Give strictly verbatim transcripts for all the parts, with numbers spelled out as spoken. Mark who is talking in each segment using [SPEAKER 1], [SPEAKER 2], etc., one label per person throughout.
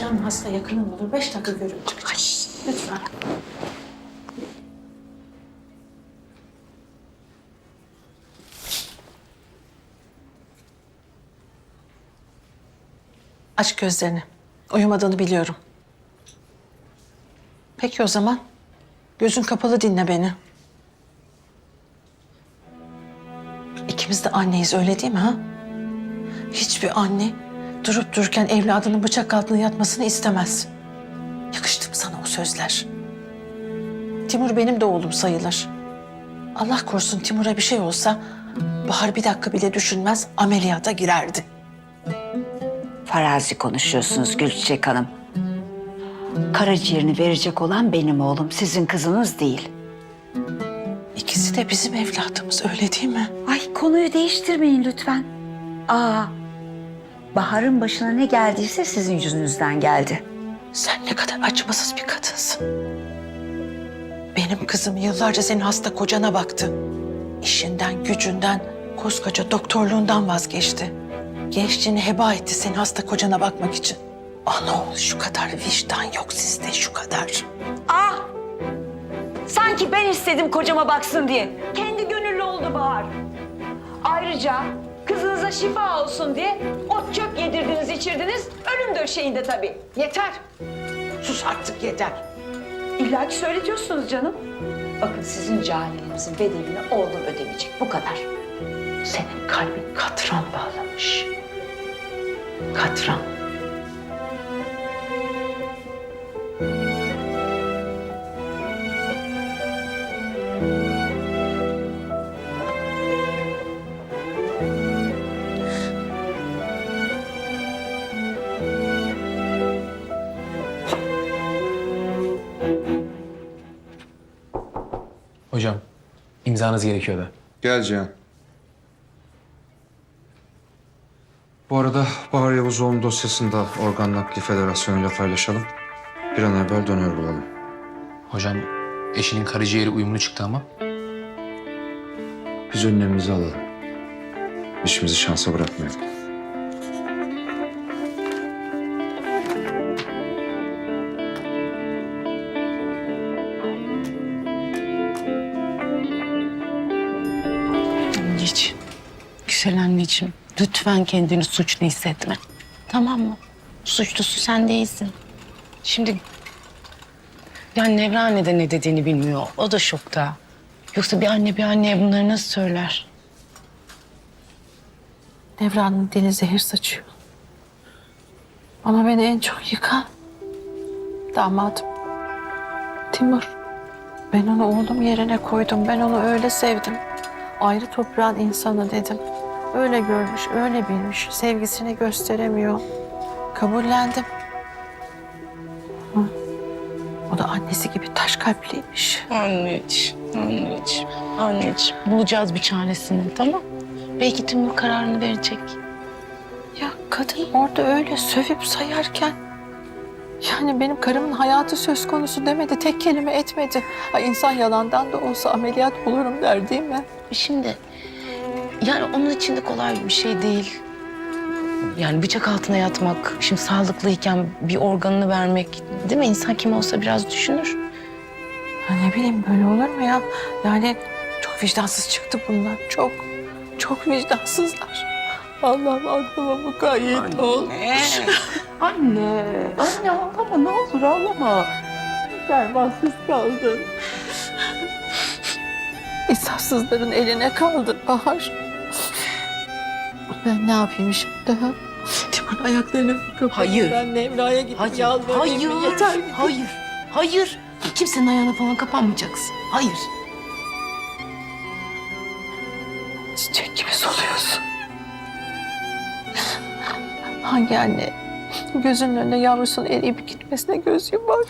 [SPEAKER 1] Canım hasta yakınım olur. Beş dakika görüp çıkacağım. Lütfen. Aç gözlerini. Uyumadığını biliyorum. Peki o zaman. Gözün kapalı dinle beni. İkimiz de anneyiz, öyle değil mi ha? Hiçbir anne durup dururken evladının bıçak altında yatmasını istemez. Yakıştı mı sana o sözler? Timur benim de oğlum sayılır. Allah korusun Timur'a bir şey olsa Bahar bir dakika bile düşünmez, ameliyata girerdi.
[SPEAKER 2] Farazi konuşuyorsunuz Gülçiçek Hanım. Karaciğerini verecek olan benim oğlum, sizin kızınız değil.
[SPEAKER 1] İkisi de bizim evladımız, öyle değil mi?
[SPEAKER 2] Ay konuyu değiştirmeyin lütfen. Aa, Bahar'ın başına ne geldiyse sizin yüzünüzden geldi.
[SPEAKER 1] Sen ne kadar acımasız bir kadınsın. Benim kızım yıllarca senin hasta kocana baktı. İşinden, gücünden, koskoca doktorluğundan vazgeçti. Gençliğini heba etti senin hasta kocana bakmak için. Anaoğlu şu kadar vicdan yok sizde, şu kadar.
[SPEAKER 2] Aa, sanki ben istedim kocama baksın diye. Kendi gönüllü oldu Bahar. Ayrıca kızınıza şifa olsun diye ot çöp yedirdiniz, içirdiniz. Ölüm döşeğinde tabii. Yeter.
[SPEAKER 1] Sus artık, yeter.
[SPEAKER 2] İlla ki söyletiyorsunuz canım. Bakın sizin cahilliğinizin bedelini oğlum ödemeyecek. Bu kadar.
[SPEAKER 1] Senin kalbin katran bağlamış. Katran.
[SPEAKER 3] Hocam, imzanız gerekiyordu.
[SPEAKER 4] Gel Cihan. Bu arada Bahar Yavuzoğlu'nun dosyasını da Organ Nakli Federasyonu ile paylaşalım. Bir an evvel donör bulalım.
[SPEAKER 3] Hocam, eşinin karaciğeri uyumlu çıktı ama.
[SPEAKER 4] Biz önlemimizi alalım. İşimizi şansa bırakmayalım.
[SPEAKER 5] Anneciğim, güzel anneciğim. Lütfen kendini suçlu hissetme. Tamam mı? Suçlusu sen değilsin. Şimdi... Yani Nevra anne de ne dediğini bilmiyor. O da şokta. Yoksa bir anne bir anneye bunları nasıl söyler?
[SPEAKER 1] Devran'ın dili zehir saçıyor. Ama beni en çok yıkan damadım. Timur. Ben onu oğlum yerine koydum. Ben onu öyle sevdim. Ayrı toprağın insanı dedim. Öyle görmüş, öyle bilmiş. Sevgisini gösteremiyor. Kabullendim. Hı. O da annesi gibi taş kalpliymiş.
[SPEAKER 5] Anneciğim, anneciğim, anneciğim. Bulacağız bir çaresini, tamam? Belki Timur kararını verecek.
[SPEAKER 1] Ya kadın orada öyle sövüp sayarken... Yani benim karımın hayatı söz konusu demedi, tek kelime etmedi. Ha, insan yalandan da olsa ameliyat bulurum der değil mi?
[SPEAKER 5] Şimdi yani onun için de kolay bir şey değil. Yani bıçak altına yatmak, şimdi sağlıklıyken bir organını vermek, değil mi? İnsan kim olsa biraz düşünür.
[SPEAKER 1] Ha, ne bileyim böyle olur mu ya? Yani çok vicdansız çıktı bunlar. Çok, çok vicdansızlar. Allah'ım aklıma mukayyet ol.
[SPEAKER 5] Anne, anne ağlama ne olur ağlama.
[SPEAKER 1] Dermansız kaldın. İnsafsızların eline kaldın Bahar. Ben ne yapayım şimdi ha? Timur'un ayaklarını kapatayım.
[SPEAKER 5] Hayır.
[SPEAKER 1] Ben Nevra'ya gidip
[SPEAKER 5] Hayır,
[SPEAKER 1] yalvarayım mı?
[SPEAKER 5] hayır,
[SPEAKER 1] Yeter ki.
[SPEAKER 5] hayır, hayır. Kimsenin ayağına falan kapanmayacaksın. Hayır.
[SPEAKER 1] Çiçek gibi soluyorsun. Hangi anne gözünün önüne yavrusunun eriyip gitmesine göz yumar?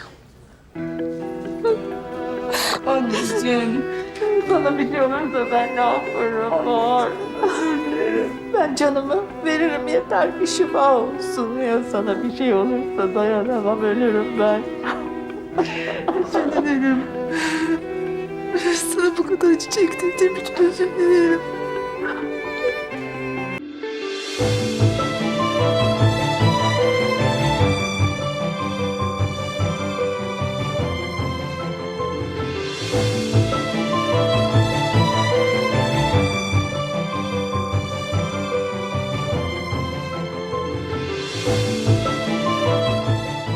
[SPEAKER 1] Anneciğim. Sana bir şey olursa ben ne yaparım Bahar? Ben canımı veririm yeter ki şifa olsun. Ya sana bir şey olursa dayanamam, ölürüm ben. Özür dilerim. Sana bu kadar acı çektirdiğim için özür dilerim.